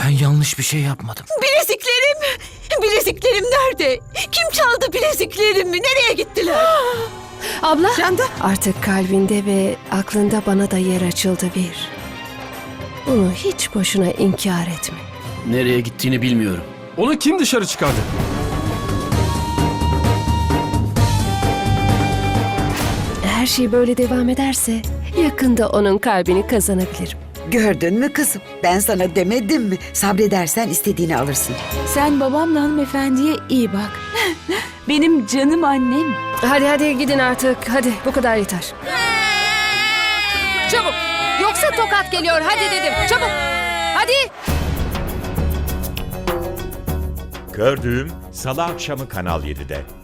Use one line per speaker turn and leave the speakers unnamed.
Ben yanlış bir şey yapmadım.
Bileziklerim! Bileziklerim nerede? Kim çaldı bileziklerimi? Nereye gittiler?
Abla,
Canda.
artık kalbinde ve aklında bana da yer açıldı bir. Bunu hiç boşuna inkar etme.
Nereye gittiğini bilmiyorum.
Onu kim dışarı çıkardı?
Her şey böyle devam ederse yakında onun kalbini kazanabilirim.
Gördün mü kızım? Ben sana demedim mi? Sabredersen istediğini alırsın.
Sen babamla hanımefendiye iyi bak. Benim canım annem.
Hadi gidin artık. Hadi bu kadar yeter. Çabuk. Yoksa tokat geliyor. Hadi dedim. Çabuk. Hadi.
Kör Düğüm Salı akşamı Kanal 7'de.